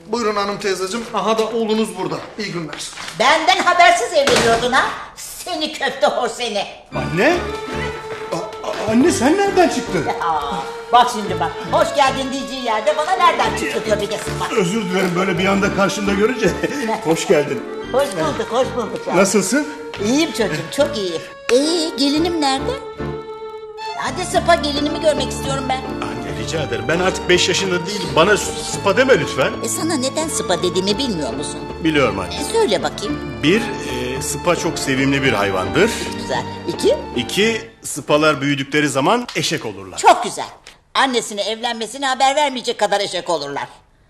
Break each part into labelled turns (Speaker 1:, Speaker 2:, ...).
Speaker 1: Buyurun hanım teyzeciğim. Aha da oğlunuz burada. İyi günler.
Speaker 2: Benden habersiz evleniyordun ha? Seni köfte hor seni.
Speaker 3: Anne? Anne sen nereden çıktın?
Speaker 2: Bak şimdi bak. Hoş geldin diyeceği yerde bana nereden çıktı diyor bir de sıkma.
Speaker 3: Özür dilerim böyle bir anda karşımda görünce. Hoş geldin.
Speaker 2: Hoş bulduk, hoş bulduk. Ya.
Speaker 3: Nasılsın?
Speaker 2: İyiyim çocuğum, çok iyiyim. Gelinim nerede? Hadi Sıpa, gelinimi görmek istiyorum ben.
Speaker 3: Anne rica ederim. Ben artık 5 yaşında değilim. Bana Sıpa deme lütfen.
Speaker 2: Sana neden Sıpa dediğimi bilmiyor musun?
Speaker 3: Biliyorum anne.
Speaker 2: Söyle bakayım.
Speaker 3: Bir, Sıpa çok sevimli bir hayvandır.
Speaker 2: Güzel. İki?
Speaker 3: İki, Sıpalar büyüdükleri zaman eşek olurlar.
Speaker 2: Çok güzel. Annesine evlenmesine haber vermeyecek kadar eşek olurlar.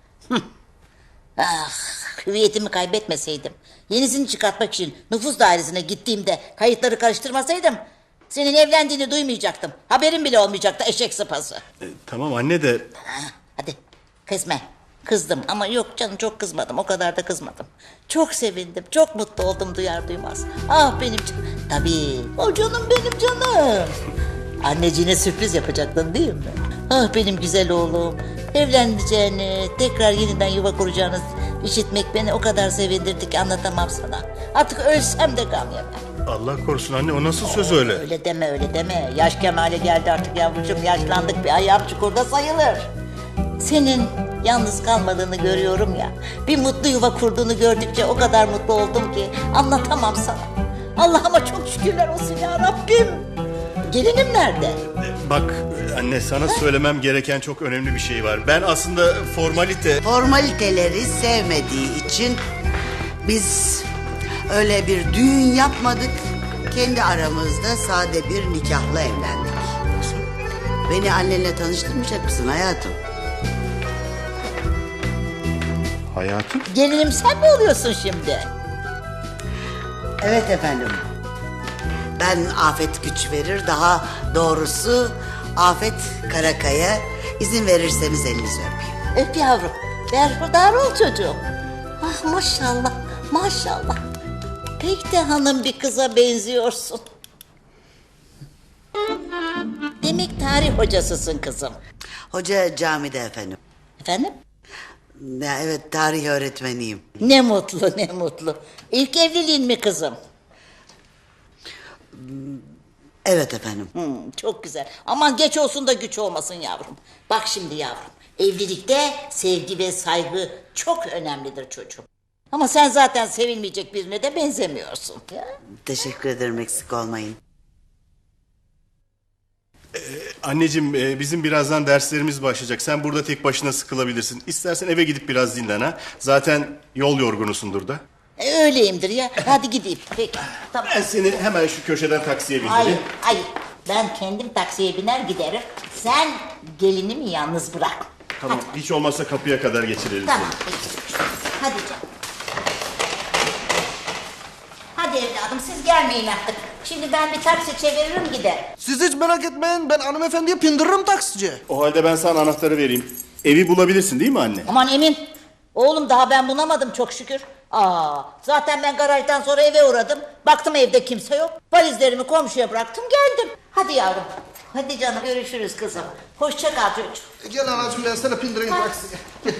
Speaker 2: Ah, hüviyetimi kaybetmeseydim, yenisini çıkartmak için nüfus dairesine gittiğimde kayıtları karıştırmasaydım, senin evlendiğini duymayacaktım. Haberin bile olmayacaktı eşek sıpası.
Speaker 3: Tamam anne de...
Speaker 2: Hadi kızma. Kızdım ama yok canım, çok kızmadım, o kadar da kızmadım. Çok sevindim, çok mutlu oldum duyar duymaz. Ah benim canım. Tabii o canım, benim canım. Anneciğine sürpriz yapacaktın değil mi? Ah benim güzel oğlum. Evleneceğini, tekrar yeniden yuva kuracağını işitmek beni o kadar sevindirdi ki anlatamam sana. Artık ölsem de gam yemem.
Speaker 3: Allah korusun anne, o nasıl söz öyle?
Speaker 2: Öyle deme, öyle deme. Yaş kemale geldi artık yavrucuğum, yaşlandık, bir ayağım çukurda sayılır. Senin yalnız kalmadığını görüyorum ya. Bir mutlu yuva kurduğunu gördükçe o kadar mutlu oldum ki anlatamam sana. Allah'ıma çok şükürler olsun ya Rabbim. Gelinim nerede?
Speaker 3: Bak anne, sana söylemem gereken çok önemli bir şey var. Ben aslında
Speaker 4: Formaliteleri sevmediği için biz öyle bir düğün yapmadık. Kendi aramızda sade bir nikahla evlendik. Beni annenle tanıştırmayacak mısın hayatım?
Speaker 3: Hayatım?
Speaker 2: Gelinim sen mi oluyorsun şimdi?
Speaker 4: Evet efendim. Ben Afet güç verir, daha doğrusu Afet Karakaya. İzin verirseniz elinizi öpeyim.
Speaker 2: Öp yavrum. Berhudar ol çocuğum. Ah maşallah, maşallah. Pek de hanım bir kıza benziyorsun. Demek tarih hocasısın kızım.
Speaker 4: Hoca camide efendim.
Speaker 2: Efendim?
Speaker 4: Ya evet, tarih öğretmeniyim.
Speaker 2: Ne mutlu, ne mutlu. İlk evliliğin mi kızım?
Speaker 4: Evet efendim.
Speaker 2: Çok güzel. Aman geç olsun da güç olmasın yavrum. Bak şimdi yavrum, evlilikte sevgi ve saygı çok önemlidir çocuğum. Ama sen zaten sevilmeyecek birine de benzemiyorsun. Ya.
Speaker 4: Teşekkür ederim, eksik olmayın.
Speaker 3: Anneciğim, bizim birazdan derslerimiz başlayacak. Sen burada tek başına sıkılabilirsin. İstersen eve gidip biraz dinlen ha. Zaten yol yorgunusundur da.
Speaker 2: Öyleyimdir ya. Hadi gideyim. Peki. Tamam.
Speaker 3: Ben seni hemen şu köşeden taksiye
Speaker 2: Hayır,
Speaker 3: bindireyim.
Speaker 2: hayır. Ben kendim taksiye biner giderim. Sen gelinimi yalnız bırak.
Speaker 3: Tamam, hiç olmazsa kapıya kadar geçirelim
Speaker 2: Tamam.
Speaker 3: seni.
Speaker 2: Peki. Hadi canım. Hadi evladım, siz gelmeyin artık. Şimdi ben bir taksi çeviririm gider.
Speaker 1: Siz hiç merak etmeyin. Ben hanımefendiye pindiririm taksici.
Speaker 3: O halde ben sana anahtarı vereyim. Evi bulabilirsin değil mi anne?
Speaker 2: Aman Emin. Oğlum daha ben bulamadım çok şükür. Zaten ben garajdan sonra eve uğradım. Baktım evde kimse yok. Valizlerimi komşuya bıraktım geldim. Hadi yavrum. Hadi canım, görüşürüz kızım. Hoşça kal çocuğum.
Speaker 1: Gel anacığım, ben sana pindireyim taksiye. Gel.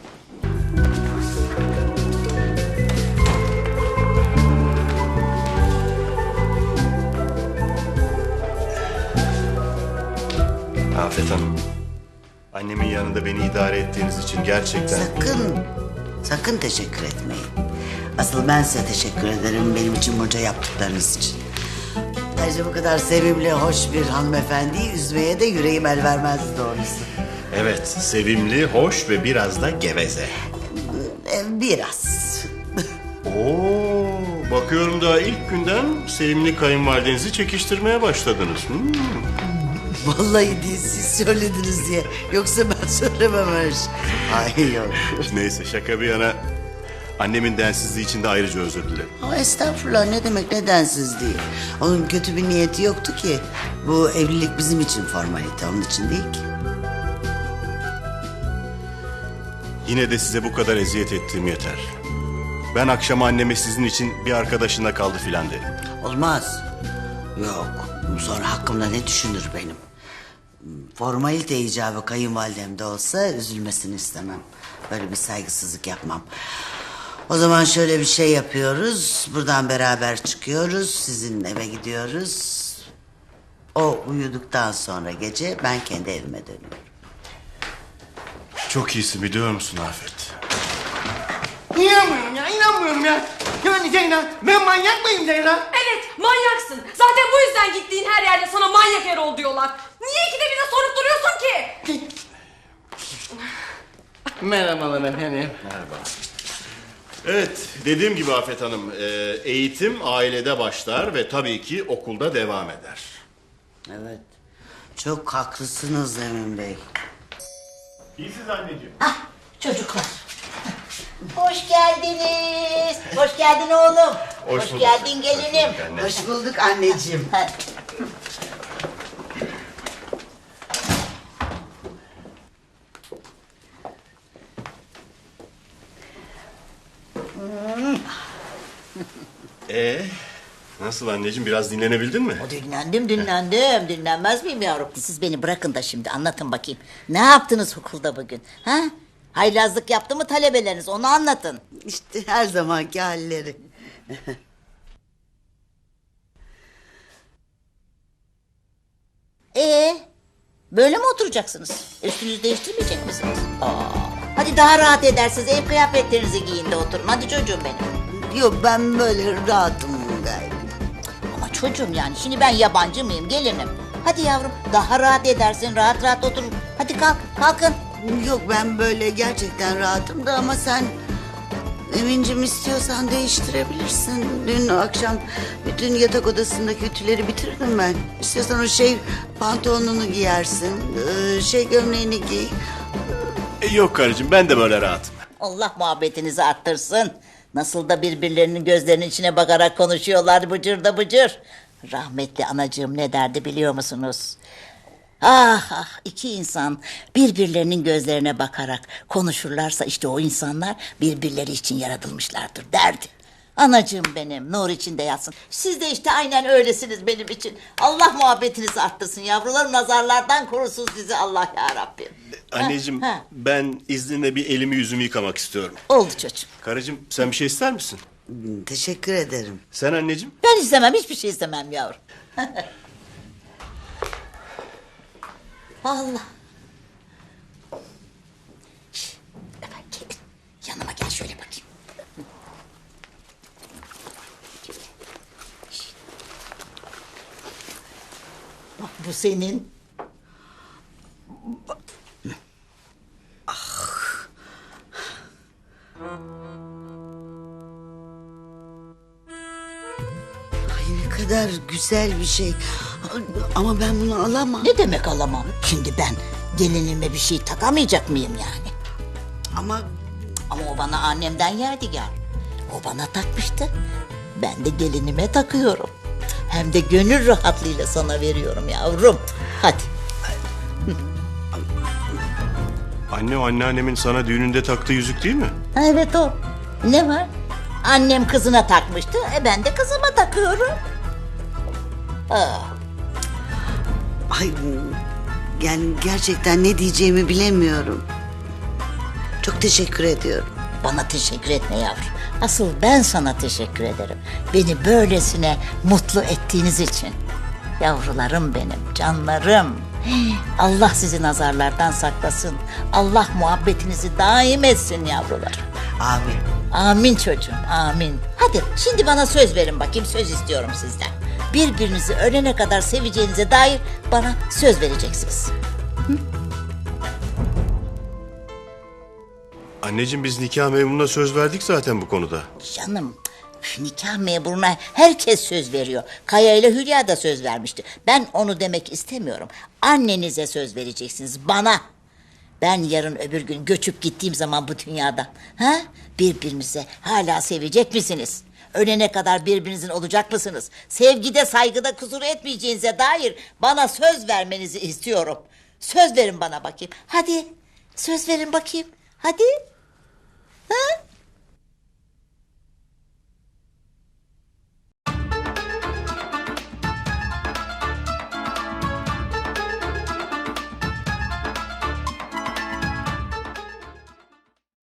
Speaker 3: Afet Hanım. Annemin yanında beni idare ettiğiniz için gerçekten...
Speaker 4: Sakın teşekkür etmeyin. Asıl ben size teşekkür ederim benim için bunca yaptıklarınız için. Ayrıca bu kadar sevimli, hoş bir hanımefendiyi üzmeye de yüreğim el vermez doğrusu.
Speaker 3: Evet, sevimli, hoş ve biraz da geveze.
Speaker 4: Biraz.
Speaker 3: Oo, bakıyorum da ilk günden sevimli kayınvalidenizi çekiştirmeye başladınız.
Speaker 4: Vallahi değil, siz söylediniz diye. Yoksa ben söylemem öyle şey. Ay yok.
Speaker 3: Neyse, şaka bir yana, annemin densizliği için de ayrıca özür dilerim.
Speaker 4: Ama estağfurullah, ne demek nedensiz değil. Onun kötü bir niyeti yoktu ki. Bu evlilik bizim için formalite, onun için değil ki.
Speaker 3: Yine de size bu kadar eziyet ettiğim yeter. Ben akşam anneme sizin için bir arkadaşında kaldı filan derim.
Speaker 4: Olmaz. Yok. Sonra hakkımda ne düşünür benim? Formalite icabı kayınvalidem de olsa üzülmesini istemem. Böyle bir saygısızlık yapmam. O zaman şöyle bir şey yapıyoruz. Buradan beraber çıkıyoruz. Sizin eve gidiyoruz. O uyuduktan sonra gece ben kendi evime dönüyorum.
Speaker 3: Çok iyisin biliyor musun Afet?
Speaker 1: İnanmıyorum ya, inanmıyorum ya. Yani Ceylan, ben manyak mıyım Ceylan?
Speaker 5: Evet, manyaksın. Zaten bu yüzden gittiğin her yerde sana manyak Erol diyorlar. Niye ikide bir de sorup duruyorsun ki?
Speaker 1: Merhabalar efendim.
Speaker 3: Evet, dediğim gibi Afet Hanım, eğitim ailede başlar ve tabii ki okulda devam eder.
Speaker 4: Evet. Çok haklısınız Emin Bey.
Speaker 3: İyisiniz anneciğim.
Speaker 2: Ah çocuklar. Hoş geldiniz. Hoş geldin oğlum.
Speaker 3: Hoş bulduk.
Speaker 2: geldin gelinim.
Speaker 4: Hoş bulduk anneciğim.
Speaker 2: Ha,
Speaker 3: Nasıl anneciğim, biraz dinlenebildin mi?
Speaker 2: dinlendim. Dinlenmez miyim yavrum? Siz beni bırakın da şimdi anlatın bakayım. Ne yaptınız okulda bugün? Ha? Haylazlık yaptı mı talebeleriniz? Onu anlatın.
Speaker 4: İşte her zamanki halleri.
Speaker 2: Böyle mi oturacaksınız? Üstünüzü değiştirmeyecek misiniz? Hadi daha rahat edersiniz. Ev kıyafetlerinizi giyin de oturun. Hadi çocuğum benim.
Speaker 4: Yok ben böyle rahatım gayet.
Speaker 2: Ama çocuğum yani şimdi ben yabancı mıyım? Gelinim. Hadi yavrum daha rahat edersin. Rahat rahat oturun. Hadi kalkın.
Speaker 4: Yok ben böyle gerçekten rahatım da ama sen Emin'cim istiyorsan değiştirebilirsin. Dün akşam bütün yatak odasındaki ütüleri bitirdim ben. İstiyorsan o pantolonunu giyersin, gömleğini giy.
Speaker 3: Yok karıcığım, ben de böyle rahatım.
Speaker 2: Allah muhabbetinizi arttırsın. Nasıl da birbirlerinin gözlerinin içine bakarak konuşuyorlar bıcır da bıcır. Rahmetli anacığım ne derdi biliyor musunuz? Ah iki insan birbirlerinin gözlerine bakarak konuşurlarsa işte o insanlar birbirleri için yaratılmışlardır derdi. Anacığım benim nur içinde yatsın. Siz de işte aynen öylesiniz benim için. Allah muhabbetinizi arttırsın yavrularım, nazarlardan korusun sizi Allah ya Rabbim.
Speaker 3: Anneciğim,
Speaker 2: Ha.
Speaker 3: ben izninle bir elimi yüzümü yıkamak istiyorum.
Speaker 2: Oldu çocuğum.
Speaker 3: Karıcığım, sen bir şey ister misin?
Speaker 4: Teşekkür ederim.
Speaker 3: Sen anneciğim?
Speaker 2: Ben istemem, hiçbir şey istemem yavrum. Allah. Şişt, efendim gelin. Yanıma gel şöyle bakayım. Şişt. Bak bu senin.
Speaker 4: Ay ne kadar güzel bir şey. Ama ben bunu alamam.
Speaker 2: Ne demek alamam? Şimdi ben gelinime bir şey takamayacak mıyım yani?
Speaker 4: Ama
Speaker 2: Ama o bana annemden yadigar. O bana takmıştı. Ben de gelinime takıyorum. Hem de gönül rahatlığıyla sana veriyorum yavrum. Hadi.
Speaker 3: Anne, o anneannemin sana düğününde taktığı yüzük değil mi?
Speaker 2: Ha, evet o. Ne var? Annem kızına takmıştı. Ben de kızıma takıyorum.
Speaker 4: ay yani gerçekten ne diyeceğimi bilemiyorum. Çok teşekkür ediyorum.
Speaker 2: Bana teşekkür etme yavrum. Asıl ben sana teşekkür ederim. Beni böylesine mutlu ettiğiniz için. Yavrularım benim, canlarım. Allah sizi nazarlardan saklasın. Allah muhabbetinizi daim etsin yavrularım.
Speaker 4: Amin.
Speaker 2: Amin çocuğum, amin. Hadi şimdi bana söz verin bakayım, söz istiyorum sizden. Birbirinizi ölene kadar seveceğinize dair bana söz vereceksiniz.
Speaker 3: Anneciğim, biz nikah memuruna söz verdik zaten bu konuda.
Speaker 2: Canım, nikah memuruna herkes söz veriyor. Kaya ile Hülya da söz vermişti. Ben onu demek istemiyorum. Annenize söz vereceksiniz, bana. Ben yarın öbür gün göçüp gittiğim zaman bu dünyadan... ha? Birbirinize hala sevecek misiniz? Ölene kadar birbirinizin olacak mısınız? Sevgide, saygıda kusur etmeyeceğinize dair bana söz vermenizi istiyorum. Söz verin bana bakayım. Hadi, söz verin bakayım. Hadi. Ha?